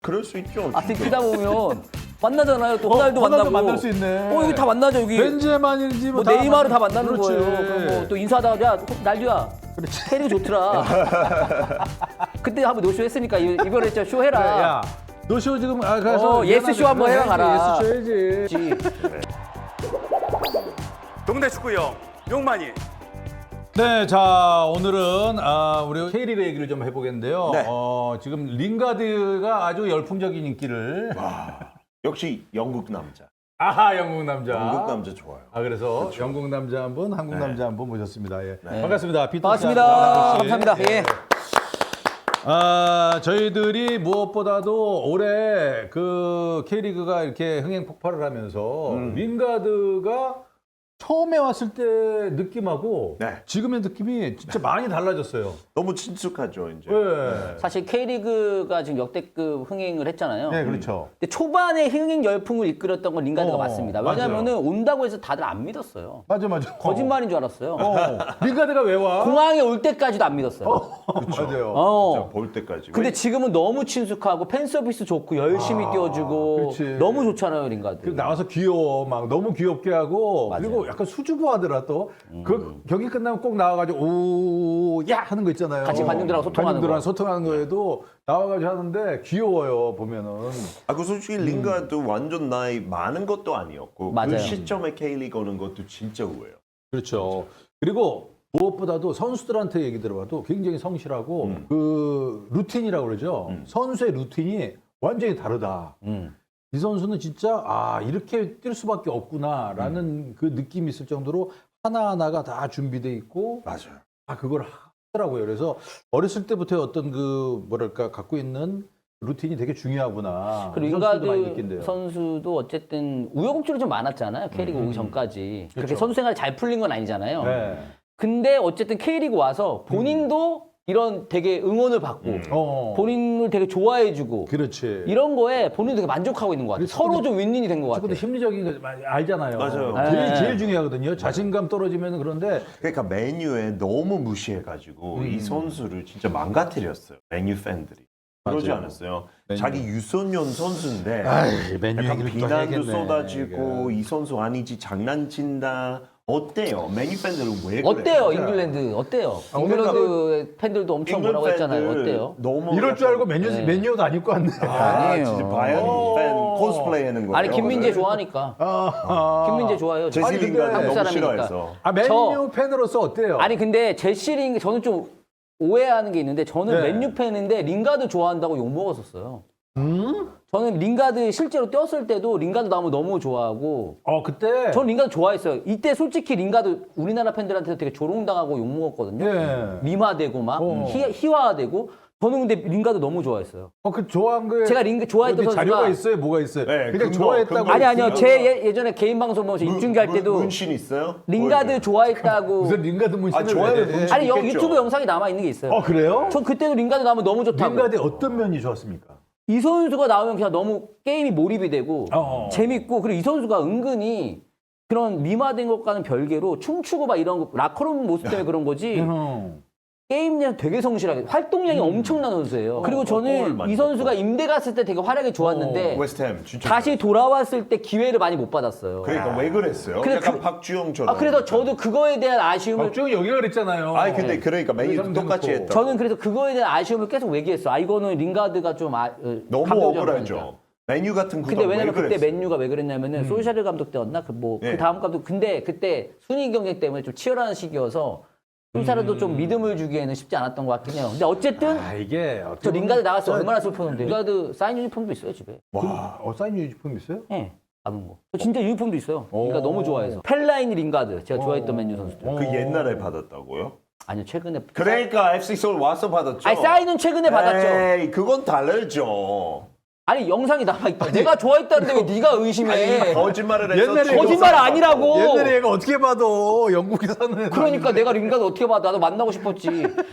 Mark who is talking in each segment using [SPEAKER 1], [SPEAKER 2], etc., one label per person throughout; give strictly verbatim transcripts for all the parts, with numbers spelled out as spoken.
[SPEAKER 1] 그럴 수 있죠.
[SPEAKER 2] 아,
[SPEAKER 1] 진짜.
[SPEAKER 2] 듣다 보면 만나잖아요. 또 호날두
[SPEAKER 3] 어, 호날두
[SPEAKER 2] 만나고.
[SPEAKER 3] 만날 수 있네.
[SPEAKER 2] 어, 여기 다 만나죠, 여기.
[SPEAKER 3] 벤제만인지
[SPEAKER 2] 뭐
[SPEAKER 3] 다
[SPEAKER 2] 네이마르 다
[SPEAKER 3] 만나-
[SPEAKER 2] 만나는
[SPEAKER 3] 그렇지.
[SPEAKER 2] 거예요. 그럼 뭐 또 인사하다가 야, 날두야. 캐리가 좋더라. 그때 한번 노쇼 했으니까 이- 이번에 진짜 쇼 해라.
[SPEAKER 3] 야, 너 쇼 지금 아 가서
[SPEAKER 2] 어, 예스 쇼 한번 해라 가라.
[SPEAKER 3] 예스 쇼 해야지.
[SPEAKER 4] 동네 축구형 용만이.
[SPEAKER 3] 네, 자 오늘은 아, 우리 K리그 얘기를 좀 해보겠는데요.
[SPEAKER 1] 네.
[SPEAKER 3] 어, 지금 링가드가 아주 열풍적인 인기를.
[SPEAKER 1] 역시 영국 남자.
[SPEAKER 3] 아하, 영국 남자.
[SPEAKER 1] 영국 남자 좋아요.
[SPEAKER 3] 아 그래서
[SPEAKER 1] 그렇죠.
[SPEAKER 3] 영국 남자 한 분, 한국
[SPEAKER 1] 네.
[SPEAKER 3] 남자 한 분 모셨습니다. 예.
[SPEAKER 1] 네.
[SPEAKER 3] 반갑습니다. 피터 씨,
[SPEAKER 2] 반갑습니다.
[SPEAKER 3] 남국 씨.
[SPEAKER 2] 감사합니다. 예.
[SPEAKER 3] 아, 저희들이 무엇보다도 올해 그 K리그가 이렇게 흥행 폭발을 하면서
[SPEAKER 1] 음.
[SPEAKER 3] 링가드가 처음에 왔을 때 느낌하고
[SPEAKER 1] 네.
[SPEAKER 3] 지금의 느낌이 진짜 많이 달라졌어요.
[SPEAKER 1] 너무 친숙하죠, 이제.
[SPEAKER 3] 네.
[SPEAKER 2] 사실 K리그가 지금 역대급 흥행을 했잖아요.
[SPEAKER 3] 네, 그렇죠.
[SPEAKER 2] 근데 초반에 흥행 열풍을 이끌었던 건 링가드가
[SPEAKER 3] 어,
[SPEAKER 2] 맞습니다.
[SPEAKER 3] 맞아요.
[SPEAKER 2] 왜냐면은 온다고 해서 다들 안 믿었어요.
[SPEAKER 3] 맞아, 맞아.
[SPEAKER 2] 거짓말인 줄 알았어요.
[SPEAKER 3] 어. 링가드가 왜 와?
[SPEAKER 2] 공항에 올 때까지도 안 믿었어요.
[SPEAKER 3] 맞아요.
[SPEAKER 2] 어.
[SPEAKER 1] 진짜 볼 때까지.
[SPEAKER 2] 근데 지금은 너무 친숙하고 팬 서비스 좋고 열심히 뛰어주고
[SPEAKER 3] 그렇지.
[SPEAKER 2] 너무 좋잖아요, 링가드.
[SPEAKER 3] 그리고 나와서 귀여워, 막 너무 귀엽게 하고
[SPEAKER 2] 맞아요.
[SPEAKER 3] 그리고 약간 수줍어하더라 또. 그 경기 끝나면 꼭 나와가지고 오야 하는 거 있잖아요.
[SPEAKER 2] 같이 관중들하고 소통하는
[SPEAKER 3] 관중들하고
[SPEAKER 2] 거.
[SPEAKER 3] 소통하는 거에도 나와가지고 하는데 귀여워요 보면은.
[SPEAKER 1] 아, 그 솔직히 링가드 완전 나이 많은 것도 아니었고
[SPEAKER 2] 맞아요.
[SPEAKER 1] 그 시점에 K리그 오는 것도 진짜 우예요.
[SPEAKER 3] 그렇죠. 그리고 무엇보다도 선수들한테 얘기 들어봐도 굉장히 성실하고
[SPEAKER 1] 음.
[SPEAKER 3] 그 루틴이라고 그러죠.
[SPEAKER 1] 음.
[SPEAKER 3] 선수의 루틴이 완전히 다르다.
[SPEAKER 2] 음.
[SPEAKER 3] 이 선수는 진짜 아 이렇게 뛸 수밖에 없구나라는
[SPEAKER 1] 음.
[SPEAKER 3] 그 느낌이 있을 정도로 하나하나가 다 준비돼 있고
[SPEAKER 1] 맞아요.
[SPEAKER 3] 아 그걸 하더라고요. 그래서 어렸을 때부터 어떤 그 뭐랄까 갖고 있는 루틴이 되게 중요하구나.
[SPEAKER 2] 그리고
[SPEAKER 3] 선수들도 많이
[SPEAKER 2] 링가드
[SPEAKER 3] 느낀대요.
[SPEAKER 2] 선수도 어쨌든 우여곡절이 좀 많았잖아요. K리그
[SPEAKER 3] 음.
[SPEAKER 2] 오기 전까지. 그렇게
[SPEAKER 3] 그렇죠.
[SPEAKER 2] 선수 생활이 잘 풀린 건 아니잖아요.
[SPEAKER 3] 네.
[SPEAKER 2] 근데 어쨌든 K리그 와서 본인도 이런 되게 응원을 받고
[SPEAKER 1] 음.
[SPEAKER 3] 어.
[SPEAKER 2] 본인을 되게 좋아해주고
[SPEAKER 3] 그렇지.
[SPEAKER 2] 이런 거에 본인도 되게 만족하고 있는 것 같아요.
[SPEAKER 3] 그리고
[SPEAKER 2] 서로
[SPEAKER 3] 축구도-
[SPEAKER 2] 좀 윈윈이 된 것 같아요.
[SPEAKER 3] 축구도 심리적인 거 많이 알잖아요.
[SPEAKER 1] 맞아요.
[SPEAKER 3] 제일,
[SPEAKER 2] 네.
[SPEAKER 3] 제일 중요하거든요. 자신감 떨어지면 그런데
[SPEAKER 1] 그러니까 메뉴에 너무 무시해가지고
[SPEAKER 3] 음.
[SPEAKER 1] 이 선수를 진짜 망가뜨렸어요. 메뉴 팬들이. 그러지
[SPEAKER 3] 맞아요.
[SPEAKER 1] 않았어요.
[SPEAKER 3] 메뉴.
[SPEAKER 1] 자기 유소년 선수인데
[SPEAKER 3] 아이, 메뉴
[SPEAKER 1] 약간
[SPEAKER 3] 얘기를 또
[SPEAKER 1] 비난도
[SPEAKER 3] 해야겠네,
[SPEAKER 1] 쏟아지고
[SPEAKER 3] 이게.
[SPEAKER 1] 이 선수 아니지 장난친다. 어때요? 메뉴 팬들은 왜 그래요?
[SPEAKER 2] 어때요, 잉글랜드? 어때요?
[SPEAKER 3] 아,
[SPEAKER 2] 잉글랜드 팬들도 엄청
[SPEAKER 1] 잉글랜드
[SPEAKER 2] 뭐라고 했잖아요.
[SPEAKER 1] 팬들
[SPEAKER 2] 어때요?
[SPEAKER 1] 너무
[SPEAKER 3] 이럴 줄 알고
[SPEAKER 1] 약간-
[SPEAKER 3] 메뉴
[SPEAKER 2] 네.
[SPEAKER 3] 메뉴도 안 입고 왔네.
[SPEAKER 1] 아,
[SPEAKER 2] 아니에요.
[SPEAKER 1] 진짜 바이언
[SPEAKER 3] 오.
[SPEAKER 1] 팬 코스플레이 하는 거예요.
[SPEAKER 2] 아니 김민재
[SPEAKER 1] 오늘?
[SPEAKER 2] 좋아하니까.
[SPEAKER 3] 아,
[SPEAKER 2] 김민재 좋아해요.
[SPEAKER 1] 제시
[SPEAKER 3] 아니, 근데
[SPEAKER 1] 링가드
[SPEAKER 2] 한국
[SPEAKER 1] 너무
[SPEAKER 2] 사람이니까.
[SPEAKER 1] 싫어해서.
[SPEAKER 3] 아 메뉴
[SPEAKER 2] 저-
[SPEAKER 3] 팬으로서 어때요?
[SPEAKER 2] 아니 근데 제시링 저는 좀 오해하는 게 있는데 저는
[SPEAKER 3] 네.
[SPEAKER 2] 맨유 팬인데 링가드 좋아한다고 욕 먹었었어요.
[SPEAKER 3] 음?
[SPEAKER 2] 저는 링가드 실제로 뛰었을 때도 링가드 나오면 너무 좋아하고
[SPEAKER 3] 어 그때.
[SPEAKER 2] 저는 링가드 좋아했어요. 이때 솔직히 링가드 우리나라 팬들한테 되게 조롱당하고 욕 먹었거든요.
[SPEAKER 3] 예.
[SPEAKER 2] 미화되고 막
[SPEAKER 3] 어.
[SPEAKER 2] 희, 희화되고 저는 근데 링가드 너무 좋아했어요.
[SPEAKER 3] 어그 좋아한 거에
[SPEAKER 2] 제가 링 좋아했던
[SPEAKER 3] 어디 자료가
[SPEAKER 2] 선수가
[SPEAKER 3] 있어요? 뭐가 있어요?
[SPEAKER 1] 네,
[SPEAKER 3] 그냥
[SPEAKER 1] 근거,
[SPEAKER 3] 좋아했다고.
[SPEAKER 1] 근거
[SPEAKER 2] 아니 아니요.
[SPEAKER 1] 있어요?
[SPEAKER 2] 제 예, 예전에 개인 방송 보면서 입중계 할 때도
[SPEAKER 1] 문신 있어요?
[SPEAKER 2] 링가드
[SPEAKER 1] 보여줘요.
[SPEAKER 2] 좋아했다고
[SPEAKER 3] 무슨 링가드 문신을
[SPEAKER 1] 아, 좋아요.
[SPEAKER 3] 왜 해?
[SPEAKER 1] 문신.
[SPEAKER 2] 아니 여,
[SPEAKER 1] 있겠죠.
[SPEAKER 2] 유튜브 영상이 남아 있는 게 있어요.
[SPEAKER 3] 어 그래요?
[SPEAKER 2] 전 그때도 링가드 나오면 너무 좋다고.
[SPEAKER 3] 링가드의 어떤 면이 좋았습니까?
[SPEAKER 2] 이 선수가 나오면 그냥 너무 게임이 몰입이 되고
[SPEAKER 3] 어.
[SPEAKER 2] 재밌고 그리고 이 선수가 은근히 그런 미화된 것과는 별개로 춤추고 막 이런 거 라커룸 모습 때문에 그런 거지
[SPEAKER 3] 음.
[SPEAKER 2] 게임량 되게 성실하게 활동량이 엄청난 선수예요. 그리고
[SPEAKER 1] 어, 골
[SPEAKER 2] 저는
[SPEAKER 1] 많이
[SPEAKER 2] 이 선수가
[SPEAKER 1] 넣었고.
[SPEAKER 2] 임대 갔을 때 되게 활약이 좋았는데
[SPEAKER 1] 웨스트햄 진짜.
[SPEAKER 2] 다시 돌아왔을 때 기회를 많이 못 받았어요.
[SPEAKER 1] 그러니까 왜 그랬어요?
[SPEAKER 2] 근데
[SPEAKER 1] 약간
[SPEAKER 2] 그-
[SPEAKER 1] 박주영처럼.
[SPEAKER 2] 아 그래서 저도 그거에 대한 아쉬움을
[SPEAKER 3] 박주영 여기가 그랬잖아요.
[SPEAKER 1] 아니 근데 그러니까 메뉴
[SPEAKER 3] 그래서
[SPEAKER 1] 똑같이
[SPEAKER 3] 해놓고.
[SPEAKER 1] 했다.
[SPEAKER 2] 저는 그래서 그거에 대한 아쉬움을 계속 얘기했어. 아 이거는 링가드가 좀 아, 어,
[SPEAKER 1] 너무
[SPEAKER 2] 감독적으로
[SPEAKER 1] 억울하죠.
[SPEAKER 2] 하니까.
[SPEAKER 1] 메뉴 같은 구단
[SPEAKER 2] 근데
[SPEAKER 1] 왜
[SPEAKER 2] 왜냐면 그때
[SPEAKER 1] 그랬어요?
[SPEAKER 2] 맨유가 왜 그랬냐면은 솔샤르 감독 때였나 그 뭐 그
[SPEAKER 1] 네.
[SPEAKER 2] 다음 감독 근데 그때 순위 경쟁 때문에 좀 치열한 시기여서 솔샤르도 좀 믿음을 주기에는 쉽지 않았던 것 같긴 해요. 근데 어쨌든
[SPEAKER 3] 아 이게 어떻게
[SPEAKER 2] 저 링가드
[SPEAKER 3] 보면
[SPEAKER 2] 나갔을 때
[SPEAKER 3] 진짜-
[SPEAKER 2] 얼마나 슬펐는데 링가드 사인 유니폼도 있어요 집에.
[SPEAKER 1] 와.
[SPEAKER 3] 어 사인 유니폼 있어요?
[SPEAKER 2] 예. 남은 거. 저 진짜 유니폼도 있어요. 그러니까
[SPEAKER 3] 오.
[SPEAKER 2] 너무 좋아해서. 펠라인 링가드 제가 좋아했던 맨유 선수들.
[SPEAKER 3] 어.
[SPEAKER 1] 그 옛날에 받았다고요?
[SPEAKER 2] 아니요 최근에.
[SPEAKER 1] 그러니까 에프씨 서울 와서 받았죠.
[SPEAKER 2] 아니 사인은 최근에 받았죠.
[SPEAKER 1] 에이, 그건 다르죠.
[SPEAKER 2] 아니 영상이 남아 있다. 내가 좋아했다는데 왜 네가 의심해?
[SPEAKER 1] 거짓말을 해서
[SPEAKER 3] 옛날에
[SPEAKER 1] 지금
[SPEAKER 2] 거짓말
[SPEAKER 1] 사람
[SPEAKER 2] 아니라고.
[SPEAKER 3] 옛날에 얘가 어떻게 봐도 영국에 사는 애들
[SPEAKER 2] 그러니까 내가 링가드 어떻게 봐? 나도 만나고 싶었지.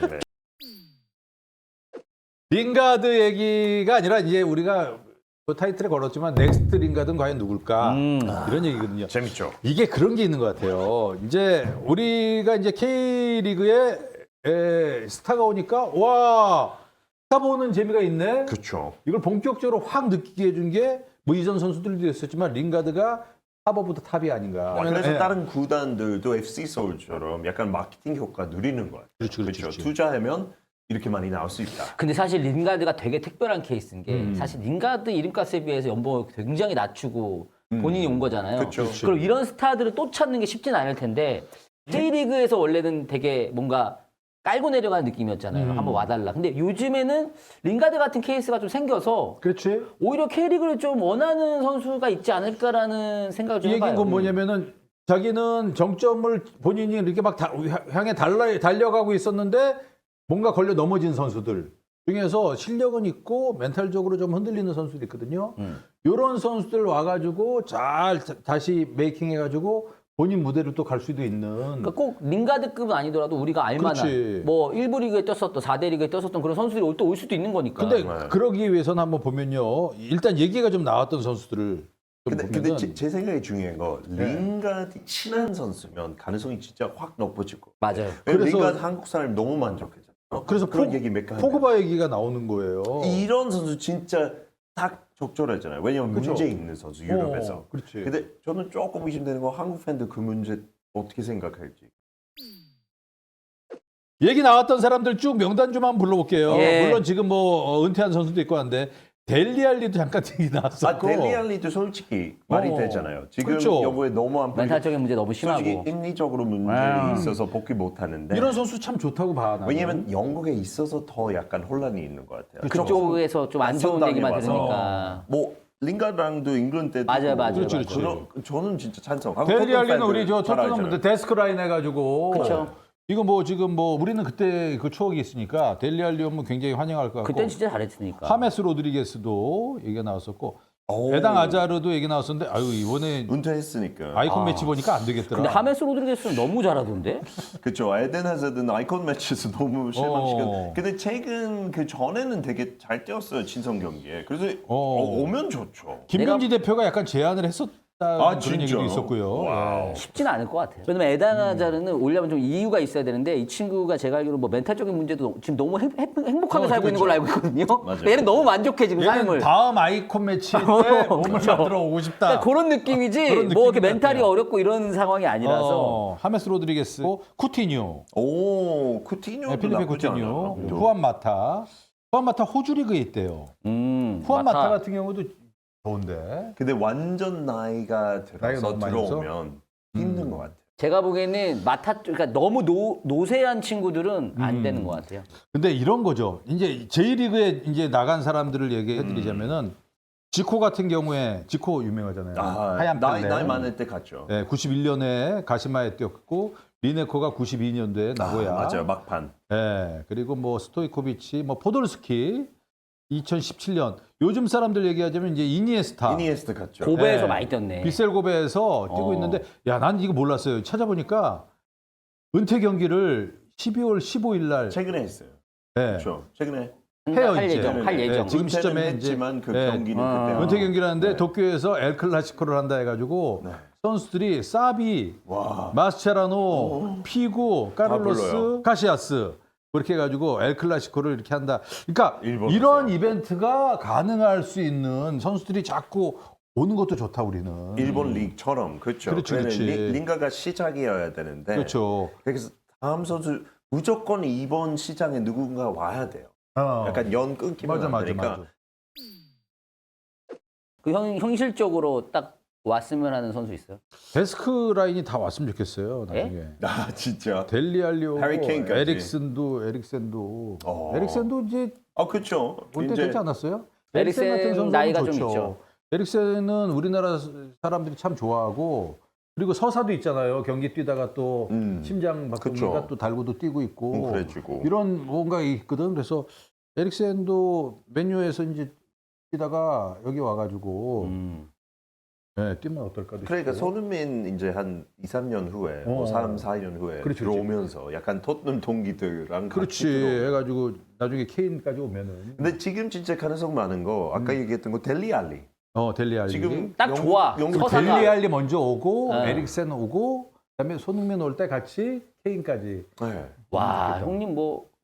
[SPEAKER 3] 링가드 얘기가 아니라 이제 우리가 그 타이틀에 걸었지만 넥스트 링가드는 과연 누굴까
[SPEAKER 2] 음.
[SPEAKER 3] 이런 얘기거든요.
[SPEAKER 1] 재밌죠.
[SPEAKER 3] 이게 그런 게 있는 것 같아요. 이제 우리가 이제 K리그에 에, 스타가 오니까 와 타보는 재미가 있네.
[SPEAKER 1] 그렇죠.
[SPEAKER 3] 이걸 본격적으로 확 느끼게 해준 게 뭐 이전 선수들도 있었지만 링가드가 탑오브 더 탑이 아닌가.
[SPEAKER 1] 그래서
[SPEAKER 3] 예.
[SPEAKER 1] 다른 구단들도 에프씨 서울처럼 약간 마케팅 효과 누리는 거예요.
[SPEAKER 3] 그렇죠, 그렇죠, 그렇죠.
[SPEAKER 1] 투자하면 이렇게 많이 나올 수 있다.
[SPEAKER 2] 근데 사실 링가드가 되게 특별한 케이스인 게
[SPEAKER 3] 음.
[SPEAKER 2] 사실 링가드 이름값에 비해서 연봉을 굉장히 낮추고 본인이 온 거잖아요.
[SPEAKER 1] 그쵸. 그쵸.
[SPEAKER 2] 그럼 이런 스타들을 또 찾는 게 쉽진 않을 텐데 J리그에서 원래는 되게 뭔가 깔고 내려가는 느낌이었잖아요.
[SPEAKER 3] 음.
[SPEAKER 2] 한번 와달라. 근데 요즘에는 링가드 같은 케이스가 좀 생겨서
[SPEAKER 3] 그렇지.
[SPEAKER 2] 오히려 K리그를 좀 원하는 선수가 있지 않을까라는 생각을 좀
[SPEAKER 3] 이 얘기는
[SPEAKER 2] 해봐요.
[SPEAKER 3] 건 뭐냐면은 자기는 정점을 본인이 이렇게 막 다, 향해 달려, 달려가고 있었는데 뭔가 걸려 넘어진 선수들 중에서 실력은 있고 멘탈적으로 좀 흔들리는 선수들이 있거든요.
[SPEAKER 2] 음.
[SPEAKER 3] 이런 선수들 와가지고 잘 다- 다시 메이킹해가지고 본인 무대로 또 갈 수도 있는.
[SPEAKER 2] 그러니까 꼭 링가드급은 아니더라도 우리가 알만한
[SPEAKER 3] 그렇지.
[SPEAKER 2] 뭐 일 부 리그에 떴었던 사 대 리그에 떴었던 그런 선수들이 또 올 수도 있는 거니까.
[SPEAKER 3] 근데
[SPEAKER 1] 네.
[SPEAKER 3] 그러기 위해서는 한번 보면요. 일단 얘기가 좀 나왔던 선수들을 좀
[SPEAKER 1] 근데,
[SPEAKER 3] 보면은
[SPEAKER 1] 근데 제, 제 생각에 중요한 거 링가드 친한 선수면 가능성이 진짜 확 높아질 거.
[SPEAKER 2] 맞아요.
[SPEAKER 1] 왜냐면
[SPEAKER 3] 그래서-
[SPEAKER 1] 링가드 한국 사람이 너무 만족했잖아요.
[SPEAKER 3] 그래서
[SPEAKER 1] 그런
[SPEAKER 3] 포-
[SPEAKER 1] 얘기 몇 개.
[SPEAKER 3] 포그바 얘기가 나오는 거예요.
[SPEAKER 1] 이런 선수 진짜 딱 적절하잖아요. 왜냐면
[SPEAKER 3] 그쵸.
[SPEAKER 1] 문제 있는 선수 유럽에서.
[SPEAKER 3] 어, 그렇지.
[SPEAKER 1] 근데 저는 조금 의심되는 거 한국 팬들 그 문제 어떻게 생각할지.
[SPEAKER 3] 얘기 나왔던 사람들 쭉 명단 좀 한번 불러볼게요.
[SPEAKER 2] 예.
[SPEAKER 3] 물론 지금 뭐 어, 은퇴한 선수도 있고 한데 델리알리도 잠깐 얘기
[SPEAKER 1] 아
[SPEAKER 3] 나왔었고.
[SPEAKER 1] 델리알리도 솔직히 말이
[SPEAKER 3] 어,
[SPEAKER 1] 되잖아요. 지금
[SPEAKER 3] 그렇죠.
[SPEAKER 1] 여부에 너무 안 풀리고
[SPEAKER 2] 멘탈적인 문제 너무 심하고.
[SPEAKER 1] 솔직히 심리적으로 문제
[SPEAKER 2] 아.
[SPEAKER 1] 있어서 복귀 못 하는데.
[SPEAKER 3] 이런 선수 참 좋다고 봐. 나는.
[SPEAKER 1] 왜냐면 영국에 있어서 더 약간 혼란이 있는 것 같아요.
[SPEAKER 2] 그쪽에서 좀 안 좋은
[SPEAKER 1] 낯선
[SPEAKER 2] 얘기만
[SPEAKER 1] 땅에 와서.
[SPEAKER 2] 들으니까.
[SPEAKER 1] 뭐 링가드랑도 잉글랜드 때도
[SPEAKER 2] 맞아요, 맞아요,
[SPEAKER 3] 그렇지,
[SPEAKER 2] 맞아요.
[SPEAKER 3] 그렇지.
[SPEAKER 1] 그런- 저는 진짜 찬성.
[SPEAKER 3] 델리알리는 우리 저
[SPEAKER 1] 잘
[SPEAKER 3] 토트넘
[SPEAKER 1] 알잖아요.
[SPEAKER 3] 데스크 라인 해가지고.
[SPEAKER 2] 그쵸.
[SPEAKER 3] 이거 뭐 지금 뭐 우리는 그때 그 추억이 있으니까 델리알리 오면 굉장히 환영할 것 같고.
[SPEAKER 2] 그땐 진짜 잘했으니까.
[SPEAKER 3] 하메스 로드리게스도 얘기가 나왔었고.
[SPEAKER 1] 오.
[SPEAKER 3] 배당 아자르도 얘기 나왔었는데 아유 이번에
[SPEAKER 1] 은퇴했으니까.
[SPEAKER 3] 아이콘 매치 보니까 안 되겠더라.
[SPEAKER 2] 근데 하메스 로드리게스는 너무 잘하던데?
[SPEAKER 1] 그렇죠. 에덴 하자드는 아이콘 매치에서 너무 실망시켰.
[SPEAKER 3] 어.
[SPEAKER 1] 근데 최근 그 전에는 되게 잘 뛰었어요 친선 경기에. 그래서
[SPEAKER 3] 어.
[SPEAKER 1] 어, 오면 좋죠.
[SPEAKER 3] 김병지 대표가 약간 제안을 했었다는
[SPEAKER 1] 아,
[SPEAKER 3] 그런
[SPEAKER 1] 진짜?
[SPEAKER 3] 얘기도 있었고요.
[SPEAKER 1] 와우.
[SPEAKER 3] 예.
[SPEAKER 2] 쉽지는 않을 것 같아요. 왜냐면 에다나자르는 오려면 좀 이유가 있어야 되는데 이 친구가 제가 알기로 뭐 멘탈적인 문제도 지금 너무 행, 행, 행복하게
[SPEAKER 3] 어,
[SPEAKER 2] 살고 있는 걸로 알고 있거든요.
[SPEAKER 1] 맞아요.
[SPEAKER 2] 얘는 너무 만족해 지금
[SPEAKER 3] 얘는
[SPEAKER 2] 삶을.
[SPEAKER 3] 다음 아이콘 매치 때 몸을 만들어 오고 싶다.
[SPEAKER 2] 그러니까 그런 느낌이지
[SPEAKER 3] 그런
[SPEAKER 2] 뭐 이렇게
[SPEAKER 3] 느낌인 것
[SPEAKER 2] 멘탈이
[SPEAKER 3] 같아요.
[SPEAKER 2] 어렵고 이런 상황이 아니라서
[SPEAKER 3] 어, 하메스 로드리게스, 쿠티뉴,
[SPEAKER 1] 오 쿠티뉴.
[SPEAKER 3] 네, 필리페 쿠티뉴, 후안 마타. 후안 마타 호주 리그에 있대요.
[SPEAKER 2] 음,
[SPEAKER 3] 후안 마타,
[SPEAKER 2] 마타.
[SPEAKER 3] 같은 경우도 좋은데.
[SPEAKER 1] 근데 완전 나이가
[SPEAKER 3] 나이가
[SPEAKER 1] 들어서
[SPEAKER 3] 너무 많이 들어서?
[SPEAKER 1] 들어오면 힘든 것 같아요.
[SPEAKER 2] 제가 보기에는 마타 쪽- 그러니까 너무 노, 노세한 친구들은 안
[SPEAKER 3] 음.
[SPEAKER 2] 되는 것 같아요.
[SPEAKER 3] 근데 이런 거죠. 이제 J리그에 이제 나간 사람들을 얘기해 드리자면은 지코 같은 경우에 지코 유명하잖아요.
[SPEAKER 1] 아,
[SPEAKER 3] 하얀
[SPEAKER 1] 나이,
[SPEAKER 3] 펠레.
[SPEAKER 1] 나이 많을 때 갔죠.
[SPEAKER 3] 네, 구십일 년에 가시마에 뛰었고 리네코가 구십이 년도에 나고야.
[SPEAKER 1] 아, 맞아요. 막판.
[SPEAKER 3] 네, 그리고 뭐 스토이코비치, 뭐 포돌스키 이천십칠 년. 요즘 사람들 얘기하자면 이제 이니에스타.
[SPEAKER 1] 이니에스트 갔죠.
[SPEAKER 2] 고베에서
[SPEAKER 3] 네.
[SPEAKER 2] 많이 뛰었네.
[SPEAKER 3] 비셀 고베에서 뛰고
[SPEAKER 2] 어.
[SPEAKER 3] 있는데 야, 난 이거 몰랐어요. 찾아보니까 은퇴 경기를 십이월 십오일 날
[SPEAKER 1] 최근에 했어요.
[SPEAKER 3] 네.
[SPEAKER 1] 그렇죠. 최근에
[SPEAKER 3] 해요,
[SPEAKER 2] 할
[SPEAKER 3] 이제.
[SPEAKER 2] 예정, 할
[SPEAKER 1] 네,
[SPEAKER 2] 예정.
[SPEAKER 3] 지금
[SPEAKER 1] 은퇴는
[SPEAKER 3] 시점에 이제-
[SPEAKER 1] 했지만 그
[SPEAKER 3] 네.
[SPEAKER 1] 경기는
[SPEAKER 2] 어.
[SPEAKER 1] 그때
[SPEAKER 3] 은퇴 경기를 하는데
[SPEAKER 1] 네.
[SPEAKER 3] 도쿄에서 엘 클라시코를 한다 해가지고
[SPEAKER 1] 네.
[SPEAKER 3] 선수들이 사비,
[SPEAKER 1] 와.
[SPEAKER 3] 마스체라노, 피고, 까를로스,
[SPEAKER 1] 불러요.
[SPEAKER 3] 카시아스 그렇게 해가지고 엘 클라시코를 이렇게 한다. 그러니까
[SPEAKER 1] 일본에서.
[SPEAKER 3] 이런 이벤트가 가능할 수 있는 선수들이 자꾸 오는 것도 좋다 우리는.
[SPEAKER 1] 일본 리그처럼 그렇죠.
[SPEAKER 3] 그렇지,
[SPEAKER 1] 그래서
[SPEAKER 3] 그렇지.
[SPEAKER 1] 리- 링가가 시작이어야 되는데
[SPEAKER 3] 그렇죠.
[SPEAKER 1] 그래서 다음 선수 무조건 이번 시장에 누군가 와야 돼요.
[SPEAKER 3] 어.
[SPEAKER 1] 약간 연 끊기면
[SPEAKER 3] 맞아
[SPEAKER 1] 안
[SPEAKER 3] 맞아
[SPEAKER 1] 되니까.
[SPEAKER 3] 맞아.
[SPEAKER 2] 그 형, 형실적으로 딱 왔으면 하는 선수 있어요?
[SPEAKER 3] 데스크 라인이 다 왔으면 좋겠어요 나중에.
[SPEAKER 1] 아 진짜.
[SPEAKER 3] 델리알리오,
[SPEAKER 1] 해리 케인까지.
[SPEAKER 3] 에릭슨도 에릭센도
[SPEAKER 1] 어.
[SPEAKER 3] 에릭센도 이제
[SPEAKER 1] 아 그렇죠.
[SPEAKER 3] 올 때
[SPEAKER 1] 이제
[SPEAKER 3] 되지 않았어요?
[SPEAKER 2] 에릭센
[SPEAKER 3] 에릭센 같은 선수는
[SPEAKER 2] 나이가 좀
[SPEAKER 3] 좋죠.
[SPEAKER 2] 있죠.
[SPEAKER 3] 에릭센은 우리나라 사람들이 참 좋아하고 그리고 서사도 있잖아요. 경기 뛰다가 또
[SPEAKER 1] 음.
[SPEAKER 3] 심장 박동기가
[SPEAKER 1] 그쵸.
[SPEAKER 3] 또 달고도 뛰고 있고
[SPEAKER 1] 음, 그래주고.
[SPEAKER 3] 이런 뭔가 있거든. 그래서 에릭센도 맨유에서 이제 뛰다가 여기 와가지고
[SPEAKER 2] 음.
[SPEAKER 3] 네, 뛰면 어떨까?
[SPEAKER 1] 그러니까
[SPEAKER 3] 싶고.
[SPEAKER 1] 손흥민 이제 한 이, 삼 년 후에
[SPEAKER 3] 어.
[SPEAKER 1] 뭐 삼, 사 년 후에
[SPEAKER 3] 그렇지,
[SPEAKER 1] 들어오면서 약간 토트넘 동기들랑 같이
[SPEAKER 3] 그렇지
[SPEAKER 1] 들어오면.
[SPEAKER 3] 해가지고 나중에 케인까지 오면은
[SPEAKER 1] 근데 지금 진짜 가능성 많은 거 아까
[SPEAKER 3] 음.
[SPEAKER 1] 얘기했던 거 델리알리.
[SPEAKER 3] 어 델리알리
[SPEAKER 1] 지금
[SPEAKER 2] 딱
[SPEAKER 1] 영국-
[SPEAKER 2] 좋아.
[SPEAKER 1] 영국
[SPEAKER 2] 서사가.
[SPEAKER 3] 델리알리 먼저 오고
[SPEAKER 2] 어.
[SPEAKER 3] 에릭센 오고 그다음에 손흥민 올 때 같이 케인까지.
[SPEAKER 1] 네.
[SPEAKER 2] 와 형님 뭐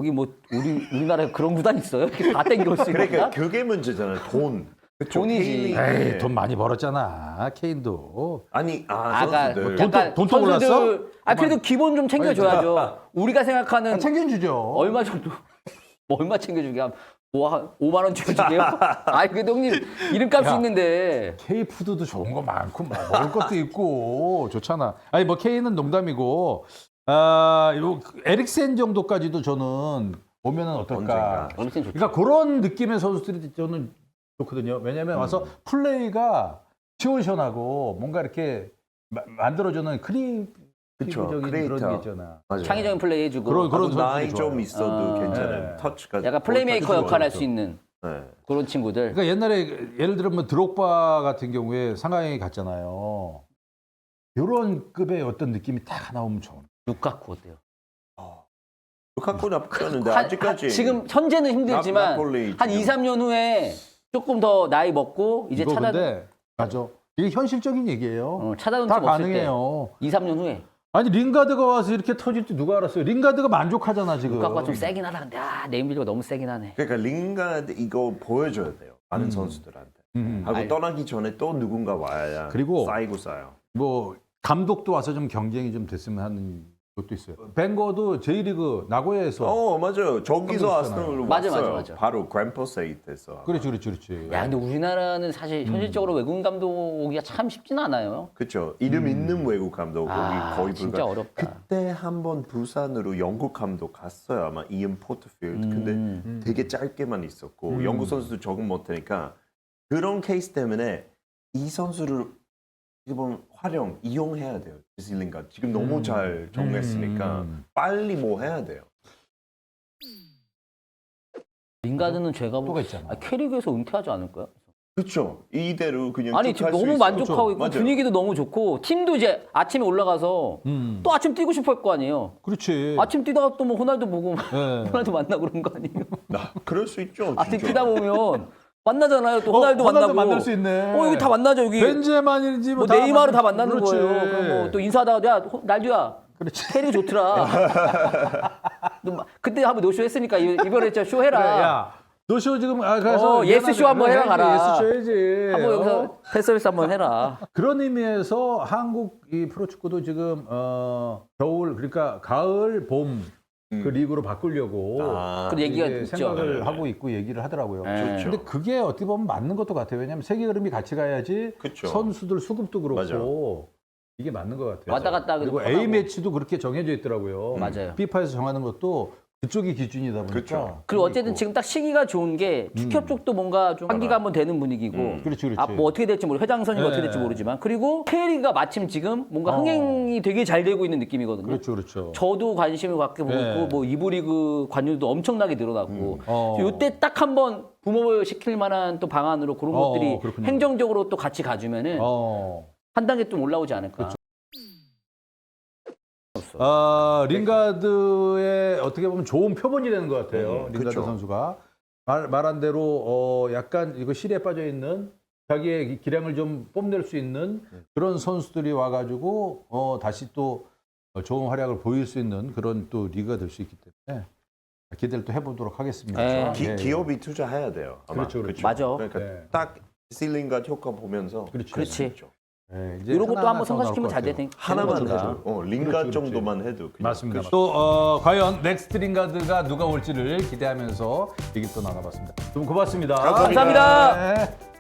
[SPEAKER 2] 여기 뭐 우리 우리나라에 그런 구단 있어요? 이렇게 다 땡겨올 수 있는
[SPEAKER 1] 그러니까
[SPEAKER 2] 구단?
[SPEAKER 1] 그게 문제잖아요. 돈. 그쵸?
[SPEAKER 2] 돈이지.
[SPEAKER 1] 케인이-
[SPEAKER 3] 에이, 돈 많이 벌었잖아. 케인도.
[SPEAKER 1] 아니 아
[SPEAKER 2] 아까
[SPEAKER 1] 선수들.
[SPEAKER 3] 돈-
[SPEAKER 2] 약간
[SPEAKER 3] 돈도
[SPEAKER 2] 선수들
[SPEAKER 3] 올랐어?
[SPEAKER 2] 아 그래도 기본 좀 챙겨줘야죠. 우리가 생각하는
[SPEAKER 3] 아, 챙겨주죠.
[SPEAKER 2] 얼마 정도 뭐 얼마 챙겨주게 하면 뭐 오만 원 챙겨주게요? 아이 그래도 형님 이름값이
[SPEAKER 3] 야.
[SPEAKER 2] 있는데
[SPEAKER 3] K푸드도 좋은 거 많고 막 먹을 것도 있고 좋잖아. 아니 뭐 K는 농담이고 아, 요 에릭센 정도까지도 저는 오면은 어떨까?
[SPEAKER 1] 언젠가.
[SPEAKER 2] 엄청 좋죠.
[SPEAKER 3] 그러니까 그런 느낌의 선수들이 저는 좋거든요. 왜냐하면 와서 플레이가 시원시원하고 뭔가 이렇게 마- 만들어주는 크리에이티브적인 그런
[SPEAKER 1] 크리에이터.
[SPEAKER 3] 게 있잖아.
[SPEAKER 1] 맞아요.
[SPEAKER 2] 창의적인 플레이 해주고
[SPEAKER 3] 그런- 그런
[SPEAKER 1] 그런 나이
[SPEAKER 3] 선수들이
[SPEAKER 1] 좀
[SPEAKER 3] 좋아요.
[SPEAKER 1] 있어도
[SPEAKER 2] 아.
[SPEAKER 1] 괜찮은
[SPEAKER 3] 네.
[SPEAKER 1] 터치가.
[SPEAKER 2] 약간 플레이메이커
[SPEAKER 1] 볼터치
[SPEAKER 2] 역할 할
[SPEAKER 1] 좋아요.
[SPEAKER 2] 수 있는
[SPEAKER 1] 네.
[SPEAKER 2] 그런 친구들.
[SPEAKER 3] 그러니까 옛날에 예를 들면 뭐 드록바 같은 경우에 상하이 갔잖아요. 이런 급의 어떤 느낌이 딱 나오면 좋은.
[SPEAKER 2] 루카쿠 어때요?
[SPEAKER 1] 루카쿠 나쁘지 않은데
[SPEAKER 2] 한-
[SPEAKER 1] 아직까지
[SPEAKER 2] 한- 지금 현재는 힘들지만
[SPEAKER 1] 나폴리
[SPEAKER 2] 한
[SPEAKER 1] 지금.
[SPEAKER 2] 이, 삼 년 후에 조금 더 나이 먹고 이제
[SPEAKER 3] 이거
[SPEAKER 2] 찾아
[SPEAKER 3] 근데 맞아. 이게 현실적인 얘기예요.
[SPEAKER 2] 어, 찾아온
[SPEAKER 3] 다
[SPEAKER 2] 팀 없을
[SPEAKER 3] 가능해요.
[SPEAKER 2] 때 이, 삼 년 후에
[SPEAKER 3] 아니 링가드가 와서 이렇게 터질 줄 누가 알았어요? 링가드가 만족하잖아 지금.
[SPEAKER 2] 루카쿠가 좀 세긴 하다 근데 아 네임빌드가 너무 세긴 하네.
[SPEAKER 1] 그러니까 링가드 이거 보여줘야 돼요. 많은 선수들한테.
[SPEAKER 3] 음.
[SPEAKER 1] 하고
[SPEAKER 2] 알-
[SPEAKER 1] 떠나기 전에 또 누군가 와야
[SPEAKER 3] 그리고-
[SPEAKER 1] 쌓이고 쌓여.
[SPEAKER 3] 뭐 감독도 와서 좀 경쟁이 좀 됐으면 하는 것도 있어요. 벵거도 J리그 나고야에서.
[SPEAKER 1] 어 맞아요. 저기서
[SPEAKER 3] 있잖아요.
[SPEAKER 1] 아스널로
[SPEAKER 2] 맞아,
[SPEAKER 1] 왔어요.
[SPEAKER 2] 맞아, 맞아.
[SPEAKER 1] 바로 그랜퍼세이트에서.
[SPEAKER 3] 그렇지, 그렇지, 그렇지.
[SPEAKER 2] 야 근데 우리나라는 사실 현실적으로 외국인 감독 오기가 참 쉽진 않아요.
[SPEAKER 1] 그렇죠. 이름 있는 외국 감독
[SPEAKER 2] 아,
[SPEAKER 1] 여기 거의
[SPEAKER 2] 진짜
[SPEAKER 1] 불가.
[SPEAKER 2] 어렵다.
[SPEAKER 1] 그때 한번 부산으로 영국 감독 갔어요. 아마 이언 포트필드. 근데
[SPEAKER 2] 음.
[SPEAKER 1] 되게 짧게만 있었고
[SPEAKER 3] 음.
[SPEAKER 1] 영국 선수도 적응 못하니까 그런 케이스 때문에 이 선수를 이번 활용 이용해야 돼요. 지슬링가 지금 너무
[SPEAKER 3] 음.
[SPEAKER 1] 잘 정했으니까
[SPEAKER 3] 음.
[SPEAKER 1] 빨리 뭐 해야 돼요.
[SPEAKER 2] 링가드는 제가
[SPEAKER 3] 또가
[SPEAKER 2] 보
[SPEAKER 3] 있잖아.
[SPEAKER 2] 아, K리그에서 은퇴하지 않을까요?
[SPEAKER 1] 그렇죠. 이대로 그냥
[SPEAKER 2] 아니
[SPEAKER 1] 쭉
[SPEAKER 2] 지금
[SPEAKER 1] 할 수
[SPEAKER 2] 너무
[SPEAKER 1] 있어요.
[SPEAKER 2] 만족하고
[SPEAKER 1] 그렇죠.
[SPEAKER 2] 있고
[SPEAKER 1] 맞아요.
[SPEAKER 2] 분위기도 너무 좋고 팀도 이제 아침에 올라가서
[SPEAKER 3] 음.
[SPEAKER 2] 또 아침 뛰고 싶어 할 거 아니에요.
[SPEAKER 3] 그렇지.
[SPEAKER 2] 아침 뛰다가 또 뭐 호날두 보고
[SPEAKER 3] 네.
[SPEAKER 2] 호날두 만나고 그런 거 아니에요?
[SPEAKER 1] 나 그럴 수 있죠.
[SPEAKER 2] 아침
[SPEAKER 1] 진짜.
[SPEAKER 2] 뛰다 보면 만나잖아요. 또
[SPEAKER 3] 어,
[SPEAKER 2] 호날두
[SPEAKER 3] 호날두
[SPEAKER 2] 만나고.
[SPEAKER 3] 만날 수 있네.
[SPEAKER 2] 어 여기 다 만나죠 여기.
[SPEAKER 3] 벤제만인지
[SPEAKER 2] 뭐
[SPEAKER 3] 뭐
[SPEAKER 2] 네이마르 다
[SPEAKER 3] 만날-
[SPEAKER 2] 만나는
[SPEAKER 3] 그렇지.
[SPEAKER 2] 거예요. 그럼 뭐 또 인사하다가 야 호- 날두야.
[SPEAKER 3] 그렇지.
[SPEAKER 2] 캐리 좋더라. 너 막- 그때 한번 노쇼 했으니까 이- 이번에 진짜 쇼
[SPEAKER 3] 그래,
[SPEAKER 2] 해라.
[SPEAKER 3] 야, 노쇼 지금 아, 가서
[SPEAKER 2] 어, 예스 쇼 한번 해라, 가라.
[SPEAKER 3] 예스 쇼 해야지.
[SPEAKER 2] 한번
[SPEAKER 3] 어?
[SPEAKER 2] 여기서 팬서비스 한번 해라.
[SPEAKER 3] 그런 의미에서 한국 이 프로축구도 지금 어, 겨울 그러니까 가을 봄 그
[SPEAKER 1] 음.
[SPEAKER 3] 리그로 바꾸려고
[SPEAKER 1] 아,
[SPEAKER 2] 그 얘기가
[SPEAKER 3] 이제
[SPEAKER 2] 있죠.
[SPEAKER 3] 생각을
[SPEAKER 1] 네,
[SPEAKER 3] 하고 있고 얘기를 하더라고요.
[SPEAKER 2] 네.
[SPEAKER 1] 좋죠.
[SPEAKER 3] 근데 그게 어떻게 보면 맞는 것도 같아요. 왜냐하면 세계 흐름이 같이 가야지
[SPEAKER 1] 그쵸.
[SPEAKER 3] 선수들 수급도 그렇고
[SPEAKER 1] 맞아요.
[SPEAKER 3] 이게 맞는 것 같아요.
[SPEAKER 2] 왔다 갔다 하기도
[SPEAKER 3] 그리고
[SPEAKER 2] 편하고.
[SPEAKER 3] A 매치도 그렇게 정해져 있더라고요.
[SPEAKER 2] 맞아요.
[SPEAKER 3] 피파에서 정하는 것도 그쪽이 기준이다 보니까.
[SPEAKER 1] 그쵸.
[SPEAKER 2] 그리고 어쨌든 지금 딱 시기가 좋은 게 축협 쪽도 뭔가 좀 환기가 한번 되는 분위기고
[SPEAKER 1] 음.
[SPEAKER 3] 그렇지, 그렇지.
[SPEAKER 2] 아, 뭐 어떻게 될지 모르 회장 선임
[SPEAKER 3] 네.
[SPEAKER 2] 어떻게 될지 모르지만 그리고 K리그가 마침 지금 뭔가
[SPEAKER 3] 어.
[SPEAKER 2] 흥행이 되게 잘 되고 있는 느낌이거든요.
[SPEAKER 3] 그렇죠, 그렇죠.
[SPEAKER 2] 저도 관심을 갖게 보고
[SPEAKER 3] 네.
[SPEAKER 2] 있고 뭐 이부 리그 관료도 엄청나게 늘어났고
[SPEAKER 3] 어.
[SPEAKER 2] 이때 딱 한번 붐업을 시킬 만한 또 방안으로 그런
[SPEAKER 3] 어,
[SPEAKER 2] 것들이
[SPEAKER 3] 그렇군요.
[SPEAKER 2] 행정적으로 또 같이 가주면은
[SPEAKER 3] 어.
[SPEAKER 2] 한 단계 좀 올라오지 않을까.
[SPEAKER 3] 그렇죠. 아, 링가드의 어떻게 보면 좋은 표본이 되는 것 같아요.
[SPEAKER 1] 음,
[SPEAKER 3] 링가드
[SPEAKER 1] 그쵸.
[SPEAKER 3] 선수가 말, 말한 대로 어, 약간 이거 실에 빠져 있는 자기의 기량을 좀 뽐낼 수 있는 그런 선수들이 와가지고 어, 다시 또 좋은 활약을 보일 수 있는 그런 또 리그가 될 수 있기 때문에 기대를 또 해보도록 하겠습니다.
[SPEAKER 2] 네.
[SPEAKER 1] 기,
[SPEAKER 3] 예, 예.
[SPEAKER 1] 기업이 투자해야 돼요. 아마.
[SPEAKER 3] 그렇죠, 그렇죠.
[SPEAKER 2] 맞아.
[SPEAKER 1] 그러니까
[SPEAKER 3] 네.
[SPEAKER 1] 딱 실링가 효과 보면서
[SPEAKER 3] 그렇지.
[SPEAKER 1] 할수
[SPEAKER 2] 그렇지.
[SPEAKER 1] 있죠.
[SPEAKER 3] 네, 이제
[SPEAKER 2] 이런 것도
[SPEAKER 3] 하나하나
[SPEAKER 2] 한번
[SPEAKER 3] 더 나올
[SPEAKER 2] 성사시키면
[SPEAKER 3] 것
[SPEAKER 2] 잘
[SPEAKER 3] 같아요.
[SPEAKER 2] 되는
[SPEAKER 1] 하나만
[SPEAKER 2] 거니까.
[SPEAKER 1] 해도 어, 링가
[SPEAKER 3] 그렇죠, 그렇지.
[SPEAKER 1] 정도만 해도 그냥
[SPEAKER 3] 맞습니다.
[SPEAKER 1] 끝이-
[SPEAKER 3] 또 어, 과연 넥스트 링가드가 누가 올지를 기대하면서 얘기 또 나눠봤습니다. 좀 고맙습니다.
[SPEAKER 1] 감사합니다.
[SPEAKER 2] 감사합니다.
[SPEAKER 3] 네.